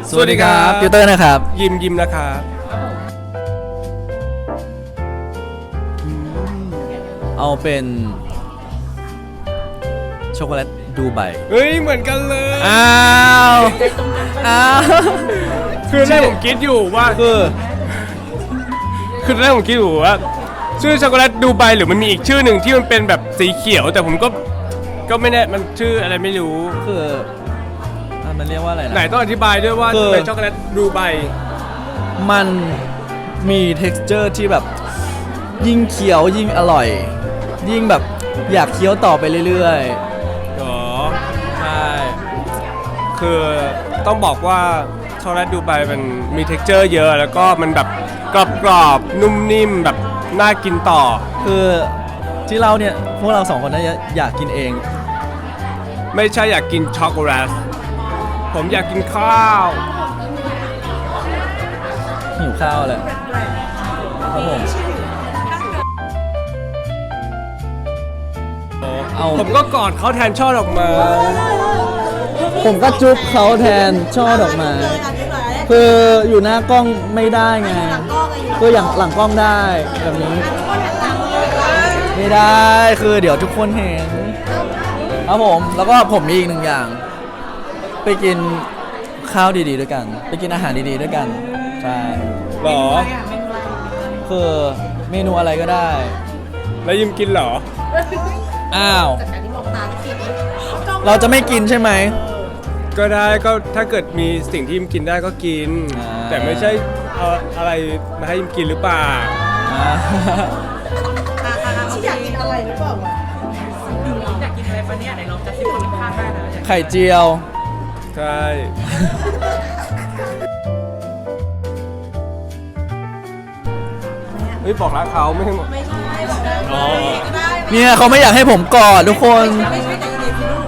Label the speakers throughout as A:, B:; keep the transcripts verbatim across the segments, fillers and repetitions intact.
A: สวัสดีครับติวเตอร์นะครับ
B: ยิมยิมนะครับ
A: เอาเป็นช็อกโกแลตดูไบ
B: เฮ้ยเหมือนกันเลย
A: อ้าวอ้าว
B: คือแรกผมคิดอยู่ว่า
A: คือ
B: คือแรกผมคิดอยู่ว่าชื่อช็อกโกแลตดูไบหรือมันมีอีกชื่อหนึ่งที่มันเป็นแบบสีเขียวแต่ผมก็ก็ไม่แน่มันชื่ออะไรไม่รู้
A: คือมันเรียกว่าอะไรนะ
B: ไหนต้องอธิบายด้วยว่าเป็นช็อกโกแลตดูไบ
A: มันมี texture ที่แบบยิ่งเคี้ยวยิ่งอร่อยยิ่งแบบอยากเคี้ยวต่อไปเรื่อย
B: ๆอ๋อ
A: ใช่
B: คือต้องบอกว่าช็อกโกแลตดูไบมันมี texture เยอะแล้วก็มันแบบกรอบๆนุ่มนิ่มแบบน่ากินต่อ
A: คือที่เราเนี่ยพวกเราสองคนน่าจะอยากกินเอง
B: ไม่ใช่อยากกินช็อกโกแลตผมอยากกินข้าว
A: หิวข้าวเลยครับผม
B: เอาผมก็กอดเขาแทนช่อดอกไม้
A: ผมก็จุ๊บเขาแทนช่อดอกไม้คืออยู่หน้ากล้องไม่ได้ไงคืออย่างหลังกล้องได้แบบนี้ไม่ได้คือเดี๋ยวทุกคนเห็นครับผมแล้วก็ผมมีอีกหนึ่งอย่างไปกินข้าวดีๆด้วยกันไปกินอาหารดีๆด้วยกันใช่
B: หรอ
A: คือเมนูอะไรก็ได้
B: แล้วยิมกินหรอ
A: อ้าวเราจะไม่กินใช่ไหม
B: ก็ได้ก็ถ้าเกิดมีสิ่งที่ยิมกินได้ก็กินแต่ไม่ใช่เอาอะไรมาให้ยิมกินหรือเปล่า
C: อยากกินอะไรหรือเปล่า
D: อยากกินอะไรปะเนี่ยไหนลองจัดสิบคนข้างได้นะ
A: ไข่เจียว
B: ใช่เฮ้ยบอกรักเขาไม่ให้หมด
C: ไม่ใช่บอกได้ก็ได้
A: เนี่ยเขาไม่อยากให้ผมกอดทุกคน
C: ไม่ใช่แต่เด็กลู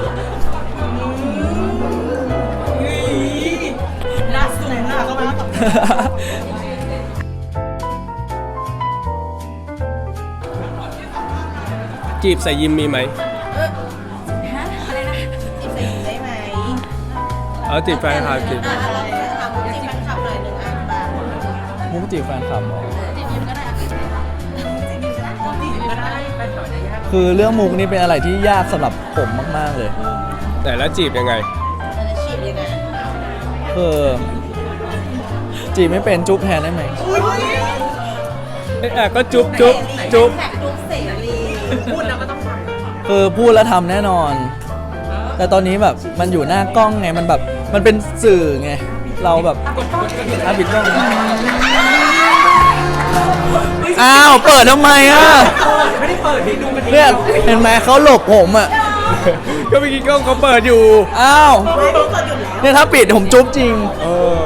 C: กน่าสูงน่ะก็มาแล้ว
B: จีบใส่ยิมมีไหม
C: อะไรนะจีบใส่ยิมได้ไหม
B: เอาจีบแฟนคลับจีบ
C: เราจะทำจีบแฟนคลับหน่อยหนึ่งอันบ้าง
A: มุกจีบแฟนคลับหรอ
C: จีบยิมก็ได้จีบยิมก็ได้จีบยิมก็ได้แฟนคลับจะยาก
A: คือเรื่องมุกนี่เป็นอะไรที่ยากสำหรับผมมากๆเลย
B: แต่แล้วจีบยังไง
C: เราจะจีบยังไง
A: คือจีบไม่เป็นจุ๊บแทนได้ไหม
B: เอ๊ะก็จุ๊บจุ๊บจุ๊บ
C: จุ๊บเสรี
D: พูดแล้วก็ต้องฟัง
A: คือพูดแล้วทำแน่นอนแต่ตอนนี้แบบมันอยู่หน้ากล้องไงมันแบบมันเป็นสื่อไงเราแบบอ่ะปิดกล้องอ้าวเปิดทำไมอ่ะ
D: ไม่ได้เปิดดิดูมัน
A: เนี่ยเห็นไหมเขาหลบผมอ่ะ
B: ก็เมื่อกี้กล้องเขาเปิดอยู่
A: อ้าวเนี่ยถ้าปิดผมจุ๊บจริง
B: เออ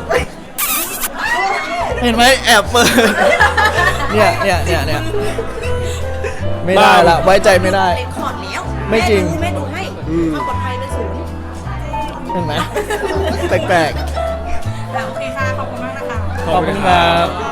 A: เห็นไหมแอบเปิดเนี่ยเนี่ยเนี่ยเนี่ยไม่ได้ละไว้ใจไม่ได้
C: ขอดแล้ว
A: ไม่จริง
C: แม่ดูให้ความปลอดภัยเป็นสูง
A: เห็นไหมแปลก
C: ๆโอเคค่ะขอบคุณมากนะคะ
A: ขอบคุณครับ